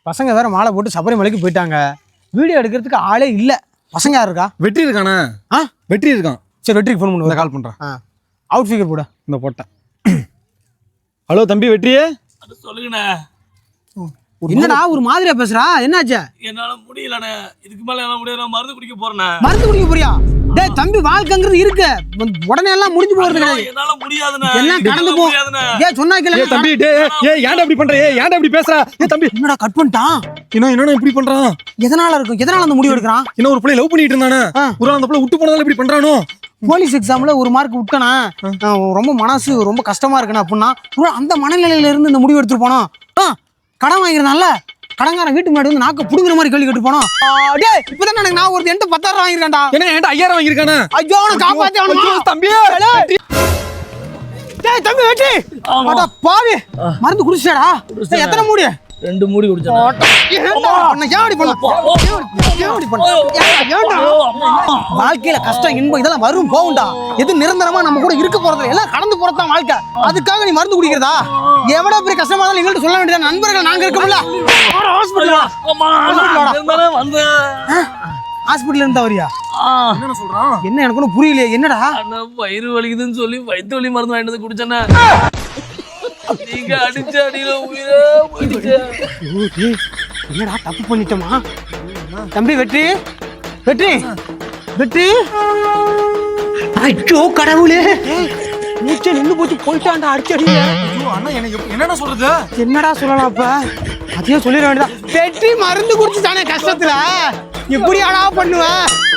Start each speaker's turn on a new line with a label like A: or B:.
A: பசங்க வேற மாலை போட்டு சபரிமலைக்கு போயிட்டாங்க. வீடியோ எடுக்கிறதுக்கு ஆளே இல்லை. பசங்க யார் இருக்கா?
B: வெற்றி இருக்கானே. வெற்றி இருக்கான்.
A: சரி வெற்றிக்கு ஃபோன் பண்ணுவோம்.
B: கால் பண்ணுறேன்.
A: அவுட் ஃபிகர் போட
B: இந்த போட்டேன். ஹலோ தம்பி வெற்றியே.
C: அது சொல்லுங்கண்ணே.
A: என்னடா ஒரு மாதிரியா பேசுறா? என்னாச்சு?
C: என்னால முடியலண்ணே. இதுக்கு மேல என்னால முடியல. மருந்து குடிக்க போறேண்ணே.
A: மருந்து குடிக்க போறியா? டேய் தம்பி வாழ்க்கைங்கிறது இருக்கு. உடனே எல்லாம் முடிஞ்சு போறது கிடையாது.
C: என்னால முடியாதுண்ணே.
A: எல்லாம் கடந்து போ. ஏய் சொன்னா கேளு.
B: தம்பி டேய் ஏன்டா இப்படி பண்ற? ஏன்டா இப்படி பேசுற? தம்பி
A: என்னடா கட் பண்ணிட்டான்?
B: என்னடா இப்படி பண்றான்?
A: எதனால இருக்கும்? எதனால அந்த முடிவு எடுக்கறான்?
B: இன்னும் ஒரு பிள்ளை லவ் பண்ணிட்டு இருந்தானே. ஒரு அந்த பிள்ளை விட்டு போனதால இப்படி பண்றானோ?
A: போலீஸ் எக்ஸாம்ல ஒரு மார்க் விட்டனா ரொம்ப மனசு ரொம்ப கஷ்டமா இருக்குனா அப்படின்னா அந்த மனநிலையில இருந்து இந்த முடிவு எடுத்துட்டு போனோம். கடன் வாங்கிருந்தான்ல, கடங்காரன் வீட்டு முன்னாடி வந்து நாக்க புடுங்குற மாதிரி கேள்வி கேட்டு போனோம். டேய் இப்பதான் எனக்கு நான் ஒரு 10,000 வாங்கிருக்கேன்டா.
B: என்ன 5000 வாங்கிருக்கானே?
A: ஐயோ அவனை காப்பாத்தி அவனை
B: தம்பி.
A: டேய் தம்பி வெட்டி. அட பாவி மருந்து குடிச்சடா. எத்தனை மூடி?
C: 2 மூடி குடிச்சேன்.
A: வாழ்க்கையில கஷ்டம் இன்பம் இதெல்லாம் வரும் போகும்டா. எது நிரந்தரமா நம்ம கூட இருக்க போறது எல்லாம் கடந்து போறதான் வாழ்க்கை. அதுக்காக நீ மருந்து குடிக்கிறதா? எவ்வளவு பெரிய கஷ்டமா இருந்தாலும் எங்கள்கிட்ட சொல்ல வேண்டியது. நண்பர்கள் நாங்க இருக்கோம்ல. ஹாஸ்பிட்டல் இருந்தா வரியா?
B: என்ன சொல்றான்?
A: என்ன எனக்கு ஒன்றும் புரியலையே. என்னடா?
C: வயிறு வலிக்குதுன்னு சொல்லி வயிற்று வலி மருந்து வாங்கிட்டு வந்து குடிச்சேன்னா நீங்க அடிச்ச அடியில உயிரே போயிடுச்சு.
A: என்னடா தப்பு பண்ணிட்டோமா? தம்பி வெற்றி வெற்றி வெற்றி. ஐயோ கடவுளே, மூச்சை நின்று போச்சு. போயிட்டான்டா அடிச்சடி.
B: என்னடா சொல்றது?
A: என்னடா சொல்லலாம்? அப்ப அதையும் சொல்லிட வேண்டியதான். வெற்றி மருந்து குடிச்சுட்டானே கஷ்டத்துல. எப்படியாடா பண்ணுவேன்?